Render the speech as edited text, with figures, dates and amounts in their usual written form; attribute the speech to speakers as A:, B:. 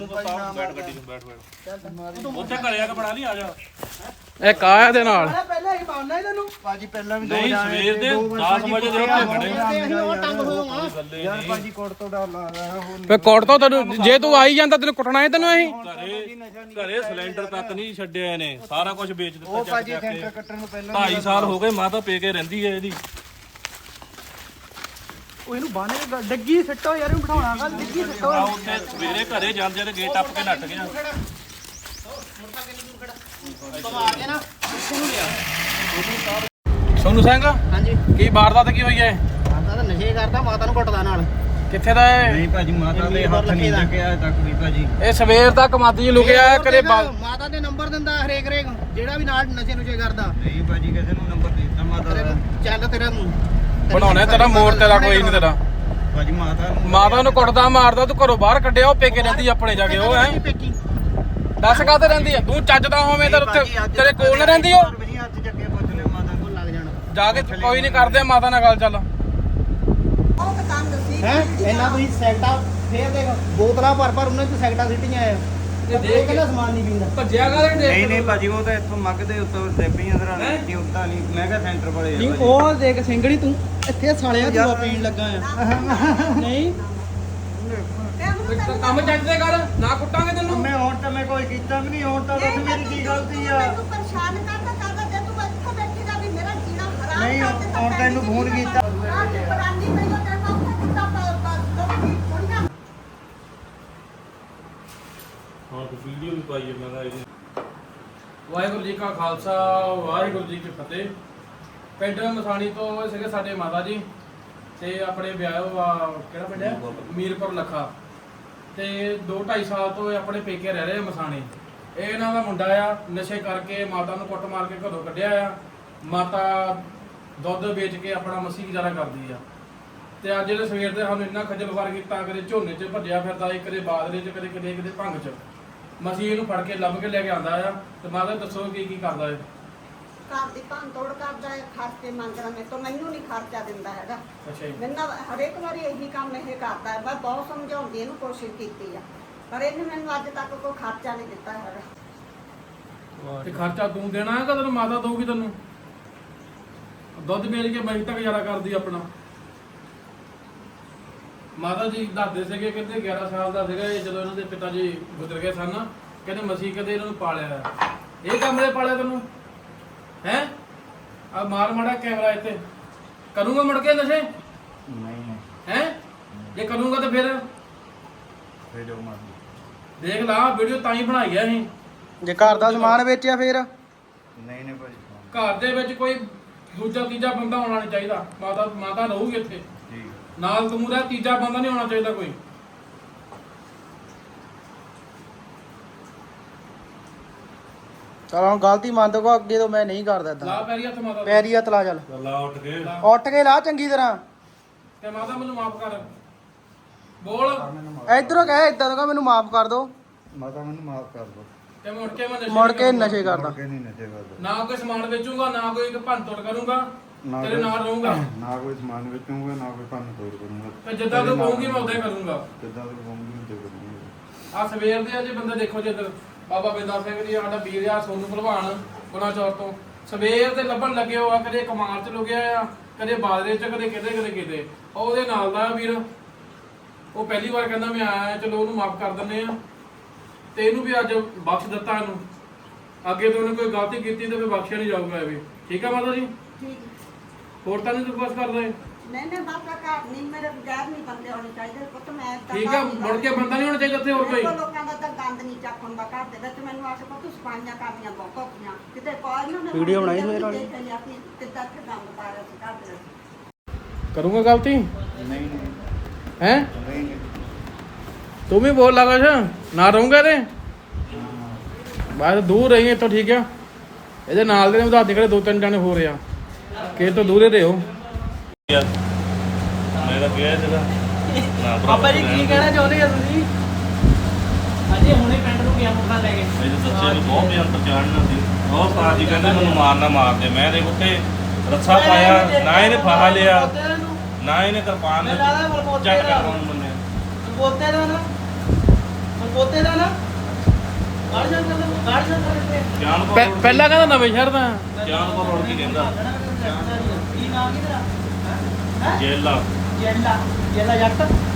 A: ਬੈਠ ਗੱਡੀ 'ਚ ਬੈਠ ਉੱਥੇ ਘਰੇ ਆ ਕੇ ਬਣਾ ਲਈ ਆ ਜਾ
B: ਇਹ ਕਾਇਆ ਦੇ ਨਾਲ
C: ਪਹਿਲਾਂ ਹੀ ਪਾਉਣਾ ਇਹਨਾਂ ਨੂੰ
D: ਭਾਜੀ ਪਹਿਲਾਂ ਵੀ
A: ਨਹੀਂ ਸਵੇਰ ਦੇ 10 ਵਜੇ ਦੇ ਉੱਤੇ ਖੜੇ
C: ਉਹ ਟੰਗ ਹੋਵਾਂ
D: ਯਾਰ ਭਾਜੀ ਕੋਟ ਤੋਂ ਡਰ ਲੱਗਦਾ ਹੁਣ
B: ਫੇ ਕੋਟ ਤੋਂ ਤੈਨੂੰ ਜੇ ਤੂੰ ਆਈ ਜਾਂਦਾ ਤੈਨੂੰ ਕੁੱਟਣਾ ਹੈ ਤੈਨੂੰ ਅਸੀਂ
A: ਘਰੇ ਸਿਲੰਡਰ ਤੱਕ ਨਹੀਂ ਛੱਡਿਆ ਇਹਨੇ ਸਾਰਾ ਕੁਝ ਵੇਚ ਦਿੱਤਾ
D: ਉਹ ਭਾਜੀ ਸੈਂਟਰ ਕੱਟਣ ਨੂੰ ਪਹਿਲਾਂ
A: 2.5 ਸਾਲ ਹੋ ਗਏ ਮਾਤਾ ਪੇ ਕੇ ਰਹਿੰਦੀ ਹੈ ਇਹਦੀ
C: ਉਹ ਇਹਨੂੰ ਬਾਹਨੇ ਡੱਗੀ ਸਿੱਟੋ ਯਾਰ ਇਹਨੂੰ ਬਿਠਾਉਣਾ ਕੱਲ ਡੱਗੀ ਸਿੱਟੋ
A: ਆ ਉੱਥੇ ਸਵੇਰੇ ਘਰੇ ਜਾਂਦੇ ਤੇ ਗੇਟ ਟੱਪ ਕੇ ਨੱਠ ਗਿਆ
B: ਸੋਨੂ ਸਿੰਘ
C: ਹਾਂਜੀ
B: ਕੀ ਵਾਰਦਾਤ ਕੀ ਹੋਈ ਹੈ
C: ਮਾਤਾ ਤਾਂ ਨਸ਼ੇ ਕਰਦਾ ਮਾਤਾ ਨੂੰ ਕੁੱਟਦਾ ਨਾਲ
B: ਕਿੱਥੇ ਦਾ ਹੈ
D: ਨਹੀਂ ਭਾਜੀ ਮਾਤਾ ਦੇ ਹੱਥ ਨਹੀਂ ਲੱਗਿਆ ਤੱਕ ਵੀ ਭਾਜੀ
B: ਇਹ ਸਵੇਰ ਤੱਕ ਮਾਦੀ ਲੁਕਿਆ ਹੈ, ਕਦੇ
C: ਮਾਤਾ ਦੇ ਨੰਬਰ ਦਿੰਦਾ ਹਰੇਕ ਜਿਹੜਾ ਵੀ ਨਾਲ ਨਸ਼ੇ ਨੁਸ਼ੇ ਕਰਦਾ
D: ਨਹੀਂ ਭਾਜੀ ਕਿਸੇ ਨੂੰ ਨੰਬਰ ਦੇ ਦਿੱਤਾ ਮਾਤਾ ਦਾ
C: ਚੱਲ ਤੇਰਾ
B: ਬਣਾਉਣਾ ਤੇਰਾ ਮੋੜ ਤੇਰਾ ਕੋਈ ਨਹੀਂ ਤੇਰਾ
D: ਭਾਜੀ
B: ਮਾਤਾ ਨੂੰ ਕੁੱਟਦਾ ਮਾਰਦਾ ਤੂੰ ਘਰੋਂ ਬਾਹਰ ਕੱਢਿਆ ਉਹ ਪੇਕੇ ਰਹਿੰਦੀ ਆਪਣੇ ਜਾ ਕੇ ਉਹ ਹੈ
C: ਪੇਕੀ
B: ਦੱਸ ਕਾਹਤੇ ਰਹਿੰਦੀ ਹੈ ਤੂੰ ਚੱਜਦਾ ਹੋਵੇਂ ਤੇ ਉੱਥੇ ਤੇਰੇ ਕੋਲ ਨਾ ਰਹਿੰਦੀ ਉਹ
D: ਵੀ ਹੱਥ ਚੱਕੇ ਪੁੱਛ ਲਿਓ ਮਾਤਾ
C: ਕੋਲ ਲੱਗ ਜਾਣਾ
B: ਜਾ ਕੇ ਕੋਈ ਨਹੀਂ ਕਰਦੇ ਮਾਤਾ ਨਾਲ ਗੱਲ ਚੱਲ
C: ਹੈ ਇਹਨਾਂ ਤੁਸੀਂ ਸੈਕਟਾ ਫੇਰ ਦੇਖ ਬੋਤਲਾਂ ਭਰ ਉਹਨਾਂ ਚ ਸੈਕਟਾ ਸਿੱਟੀਆਂ ਆ ਤੇ ਦੇਖ ਕੇ ਸਮਾਨ ਨਹੀਂ ਪੀਂਦਾ
B: ਭੱਜਿਆ ਕਾਹਦੇ
D: ਨਹੀਂ ਨਹੀਂ ਭਾਜੀ ਉਹ ਤਾਂ ਇੱਥੋਂ ਮੱਗਦੇ ਉੱਤੋਂ ਸੈਪੀਆਂ ਦਰਾਂ ਨਹੀਂ ਉੱਤਾ ਨਹੀਂ ਮੈਂ ਕਿਹਾ ਸੈਂਟਰ ਵਾਲੇ
C: ਨਹੀਂ ਉਹ ਦੇਖ ਸਿੰਘਣੀ ਤੂੰ ਇੱਥੇ ਸਾਲਿਆ ਤੂੰ ਪੀਣ ਲੱਗਾ ਆ ਨਹੀਂ
B: ਕੰਮ ਚੱਜ ਦੇ ਕਰ ਨਾ ਕੁੱਟਾਂਗੇ ਤੈਨੂੰ
D: ਮੈਂ ਹੁਣ ਤਾਂ ਮੈਂ ਕੋਈ ਕੀਤਾ ਵੀ ਨਹੀਂ ਹੁਣ ਤਾਂ ਦੱਸ ਮੇਰੀ ਕੀ ਗਲਤੀ ਆ
E: ਮੈਨੂੰ ਪਰੇਸ਼ਾਨ ਕਰਦਾ ਜੇ ਤੂੰ ਇੱਥੇ ਬੈਠੀ ਦਾ ਵੀ ਮੇਰਾ ਜੀਣਾ ਹਰਾਮ
D: ਨਹੀਂ
E: ਕਰ ਦਿੱਤਾ
D: ਹੁਣ ਤੈਨੂੰ ਫੋਨ ਕੀਤਾ
E: ਆਹ ਕੀ ਬਰਾਨੀ ਮੈਨੂੰ ਤੇਰਾ ਕਿੱਦਾਂ ਥੋੜੀਆਂ
A: ਹਾਂ ਤੂੰ ਵੀਡੀਓ ਵੀ ਪਾਈ ਮੈਂ ਕਿਹਾ ਇਹਦੀ
B: ਵਾਹਿਗੁਰੂ ਜੀ ਕਾ ਖਾਲਸਾ ਵਾਹਿਗੁਰੂ ਜੀ ਕੀ ਫਤਿਹ। ਪਿੰਡ ਮਸਾਣੀ ਤੋਂ ਸੀਗੇ ਸਾਡੇ ਮਾਤਾ ਜੀ ਤੇ ਆਪਣੇ ਵਿਆਹ ਕਿਹੜਾ ਪਿੰਡ ਹੈ ਮੀਰਪੁਰ ਲੱਖਾ ਤੇ 2-2.5 ਸਾਲ ਤੋਂ ਇਹ ਆਪਣੇ ਪੇਕੇ ਰਹਿ ਰਹੇ ਆ ਮਸਾਣੀ। ਇਹ ਇਹਨਾਂ ਦਾ ਮੁੰਡਾ ਆ ਨਸ਼ੇ ਕਰਕੇ ਮਾਤਾ ਨੂੰ ਕੁੱਟ ਮਾਰ ਕੇ ਘਰੋਂ ਕੱਢਿਆ ਆ। ਮਾਤਾ ਦੁੱਧ ਵੇਚ ਕੇ ਆਪਣਾ ਮਸੀ ਗੁਜ਼ਾਰਾ ਕਰਦੀ ਆ ਤੇ ਅੱਜ ਜਿਹੜੇ ਸਵੇਰ ਦੇ ਸਾਨੂੰ ਇੰਨਾ ਖੱਜਲ ਖੁਆਰ ਕੀਤਾ, ਕਦੇ ਝੋਨੇ 'ਚ ਭੱਜਿਆ ਫਿਰਦਾ ਏ, ਕਦੇ ਬਾਦਲੇ 'ਚ, ਕਦੇ ਕਿਤੇ ਭੰਗ 'ਚ। ਮਸੀਂ ਇਹਨੂੰ ਫੜ ਕੇ ਲੱਭ ਕੇ ਲੈ ਕੇ ਆਂਦਾ ਆ ਤੇ ਮਾਤਾ ਦੱਸੋ ਕੀ ਕਰਦਾ ਏ।
E: ਘਰ ਦੀ ਭੰਨ ਤੋੜ ਕਰਦਾ ਹੈ, ਖਰਚੇ ਮੰਗਦਾ ਮੇਰੇ ਤੋਂ, ਮੈਨੂੰ ਨਹੀਂ ਖਰਚਾ ਦਿੰਦਾ ਹੈਗਾ।
B: ਅੱਛਾ ਜੀ।
E: ਮੈਨੂੰ ਹਰੇਕ ਵਾਰੀ ਇਹੀ ਕੰਮ ਇਹ ਕਰਦਾ ਹੈ। ਮੈਂ ਬਹੁਤ ਸਮਝਾਉਣ ਦੀ ਇਹਨੂੰ ਕੋਸ਼ਿਸ਼ ਕੀਤੀ ਆ ਪਰ ਇਹਨੇ ਮੈਨੂੰ ਅੱਜ ਤੱਕ ਕੋਈ ਖਰਚਾ ਨਹੀਂ ਦਿੱਤਾ ਹੈਗਾ।
B: ਤੇ ਖਰਚਾ ਤੂੰ ਦੇਣਾ ਹੈ ਕਿ ਤੈਨੂੰ ਮਾਤਾ ਦਊਗੀ ਤੈਨੂੰ? ਦੁੱਧ ਵੇਚ ਕੇ ਮੈਂ ਤੱਕ ਗੁਜ਼ਾਰਾ ਕਰਦੀ ਆਪਣਾ। ਮਾਤਾ ਜੀ ਦੱਸਦੇ ਸੀਗੇ ਕਹਿੰਦੇ 11 ਸਾਲ ਦਾ ਸੀਗਾ ਇਹ ਜਦੋਂ ਇਹਨਾਂ ਦੇ ਪਿਤਾ ਜੀ ਗੁਜ਼ਰ ਗਏ ਸਨ। ਕਹਿੰਦੇ ਮਸੀਹ ਕਦੇ ਇਹਨਾਂ ਨੂੰ ਪਾਲਿਆ ਇਹ ਕੰਮ ਦੇ ਪਾਲਿਆ ਤੈਨੂੰ ਹੈ। ਆ ਮਾਰ ਮਾੜਾ ਕੈਮਰਾ ਇੱਥੇ ਕਰੂੰਗਾ ਮੁੜ ਕੇ ਨਸ਼ੇ
D: ਨਹੀਂ
B: ਹੈ। ਜੇ ਕਰੂੰਗਾ ਤਾਂ ਫਿਰ
D: ਵੀਡੀਓ ਮਾਰ
B: ਦੇਖ ਲਾ ਵੀਡੀਓ ਤਾਂ ਹੀ ਬਣਾਈ ਆ ਅਸੀਂ।
C: ਜੇ ਘਰ ਦਾ ਸਮਾਨ ਵੇਚਿਆ ਫੇਰ
D: ਨਹੀਂ ਨਹੀਂ ਭਾਜੀ
B: ਘਰ ਦੇ ਵਿੱਚ ਕੋਈ ਦੂਜਾ ਤੀਜਾ ਬੰਦਾ ਹੋਣਾ ਨਹੀਂ ਚਾਹੀਦਾ। ਮਾਤਾ ਰਹੂਗੀ ਇੱਥੇ
D: ਠੀਕ
B: ਨਾਲ ਤੂੰ ਦਾ ਤੀਜਾ ਬੰਦਾ ਨਹੀਂ ਹੋਣਾ ਚਾਹੀਦਾ ਕੋਈ।
C: ਚਲ ਹੁਣ ਗਲਤੀ ਮੰਨ ਦੋ ਅੱਗੇ ਤੋਂ ਮੈਂ ਨਹੀਂ ਕਰਦਾ
B: ਲਾ
C: ਇਦਾਂ
B: ਪੈਰੀ ਹੱਥ ਮਾਤਾ ਦੇ।
C: ਪੈਰੀ ਹੱਥ ਲਾ ਚੱਲ
A: ਲਾ ਉੱਠ ਕੇ
C: ਉੱਠ ਕੇ ਲਾ ਚੰਗੀ ਤਰ੍ਹਾਂ
B: ਤੇ ਮਾਤਾ ਮੈਨੂੰ ਮਾਫ ਕਰ ਬੋਲ
C: ਇਧਰੋਂ ਕਹਿ ਇਦਾਂ ਤੋਂ ਮੈਨੂੰ ਮਾਫ ਕਰ ਦੋ
D: ਮਾਤਾ ਮੈਨੂੰ ਮਾਫ ਕਰ ਦੋ
B: ਤੇ ਮੁੜ ਕੇ ਮੈਂ
C: ਮੁੜ ਕੇ ਨਸ਼ੇ ਕਰਦਾ
D: ਕਿ ਨਹੀਂ ਨਸ਼ੇ ਕਰਦਾ
B: ਨਾ ਕੋਈ ਸਮਾਨ ਵੇਚੂਗਾ ਨਾ ਕੋਈ ਭੰਨ ਤੋੜ ਕਰੂੰਗਾ
D: ਨਾ
B: ਤੇਰੇ ਨਾਲ ਰਹੂੰਗਾ
D: ਨਾ ਕੋਈ ਸਮਾਨ ਵੇਚੂਗਾ ਨਾ ਕੋਈ ਭੰਨ ਤੋੜ ਕਰੂੰਗਾ
B: ਤੇ ਜਿੱਦਾਂ ਤੂੰ ਕਹੂੰਗੀ ਮੈਂ ਉਦਾਂ ਹੀ ਕਰੂੰਗਾ।
D: ਜਿੱਦਾਂ ਤੂੰ ਕਹੂੰਗੀ ਤੇ ਕਰੂੰਗਾ
B: ਆ ਸਵੇਰ ਦੇ ਅਜੇ ਬੰਦੇ ਦੇਖੋ ਜਿੱਧਰ ਬਾਬਾ ਬਿੰਦਾ ਸਿੰਘ ਜੀ ਸਾਡਾ ਵੀਰ ਆ ਸੋਨੂ ਭਲਵਾਨ ਗੁਨਾ ਚੌਰ ਤੋਂ ਸਵੇਰ ਦੇ ਲੱਭਣ ਲੱਗੇ ਹੋ ਆ। ਕਦੇ ਕਮਾਲ ਚ ਲੁਕਿਆ ਆ, ਕਦੇ ਬਾਦਰੇ ਚ, ਕਦੇ ਕਿਤੇ ਉਹਦੇ ਨਾਲ ਦਾ ਵੀਰ ਉਹ ਪਹਿਲੀ ਵਾਰ ਕਹਿੰਦਾ ਮੈਂ ਆਇਆ ਚਲੋ ਉਹਨੂੰ ਮਾਫ ਕਰ ਦਿੰਦੇ ਆ ਤੇ ਇਹਨੂੰ ਵੀ ਅੱਜ ਬਖਸ਼ ਦਿੱਤਾ। ਇਹਨੂੰ ਅੱਗੇ ਤੋਂ ਉਹਨੇ ਕੋਈ ਗਲਤੀ ਕੀਤੀ ਤੇ ਫਿਰ ਬਖਸ਼ਿਆ ਨਹੀਂ ਜਾਊਗਾ ਇਹ ਵੀ। ਠੀਕ ਆ ਮਾਤਾ ਜੀ?
E: ਠੀਕ
B: ਹੋਰ ਤਾਂ ਨਹੀਂ ਰਿਕੁਐਸਟ ਕਰਦੇ?
E: ਨਹੀਂ ਬਾਬਾ ਘਰ ਨਹੀਂ ਮੇਰੇ ਬਗੈਰ ਨਹੀਂ ਬੰਦੇ ਹੋਣੇ ਚਾਹੀਦੇ ਪੁੱਤ। ਮੈਂ ਤਾਂ
B: ਠੀਕ ਆ ਮੁੜ ਕੇ ਬੰਦਾ ਨਹੀਂ ਹੋਣਾ ਚਾਹੀਦਾ ਇੱਥੇ ਹੋਰ ਕੋਈ।
E: ਲੋਕਾਂ ਦਾ ਤਾਂ ਗੰਦ ਨਹੀਂ ਚੱਕ ਹੁੰਦਾ ਘਰ ਦੇ ਵਿੱਚ। ਮੈਨੂੰ ਆਖੇ ਪੁੱਤ ਸਫਾਈਆਂ ਕਰਨੀਆਂ ਬਹੁਤ ਔਖੀਆਂ ਕਿਤੇ ਕੋਈ ਨਾ
C: ਵੀਡੀਓ ਬਣਾਈ ਹੋਈ ਨਾਲ
E: ਕਿੱਦਾਂ ਤੇ ਗੰਦ ਪਾ ਰਿਹਾ ਸੀ ਘਰ ਦੇ ਵਿੱਚ।
B: ਕਰੂੰਗਾ ਗਲਤੀ
D: ਨਹੀਂ
B: ਹੈ
D: ਨਹੀਂ
B: ਤੂੰ ਵੀ ਬੋਲ ਲਗਾ ਨਾ ਰਹੂੰਗਾ ਤੇ ਬਸ ਦੂਰ ਰਹੀ ਇੱਥੋਂ। ਠੀਕ ਆ ਇਹਦੇ ਨਾਲ ਦੇ ਵਧਾ ਦੇ ਕਿਹੜੇ 2-3 ਜਣੇ ਹੋ ਰਹੇ ਆ ਕਿ ਤੋਂ ਦੂਰੇ ਰਹੋ।
A: ਮੈਂ ਤਾਂ ਗਿਆ ਸੀਗਾ ਨਾ
C: ਪਾਪਾ ਜੀ ਕੀ ਕਹਿਣਾ ਚਾਹੁੰਦੇ ਆ ਤੁਸੀਂ? ਅਜੇ ਹੁਣੇ ਪਿੰਡ ਨੂੰ ਗਿਆ ਮੁੰਡਾ ਲੈ ਕੇ
A: ਮੇਰੇ ਸੱਚੇ ਨੂੰ ਬਹੁਤ ਬਿਆਨ ਪਛਾਣਨਾ ਸੀ। ਬਹੁਤ ਸਾਜ ਜੀ ਕਹਿੰਦੇ ਮੈਨੂੰ ਮਾਰਨਾ ਮਾਰ ਦੇ। ਮੈਂ ਦੇਖ ਉੱਤੇ ਰੱਸਾ ਪਾਇਆ ਨਾ ਇਹਨੇ ਫਾਹਾ ਲਿਆ ਨਾ ਇਹਨੇ ਕਿਰਪਾਨ ਚੱਕ ਕੇ ਉਹਨੂੰ ਮੰਨਿਆ।
C: ਬੋਲਤੇ ਦਾ ਨਾ ਪੋਤੇ ਦਾ ਨਾ ਗਾੜੀਆਂ ਕਰਦੇ
A: ਜਾਨਪੁਰ road
B: ਪਹਿਲਾਂ ਕਹਿੰਦਾ ਨਵੇਂ ਸ਼ਹਿਰ ਦਾ
A: ਜਾਨਪੁਰ road ਕੀ ਕਹਿੰਦਾ
C: ਕੀ ਨਾਮ ਕੀ ਤੇਰਾ
A: ਜੇਲਾ
C: ਜੈਲਾ ਜੈਲਾ ਜੱਟ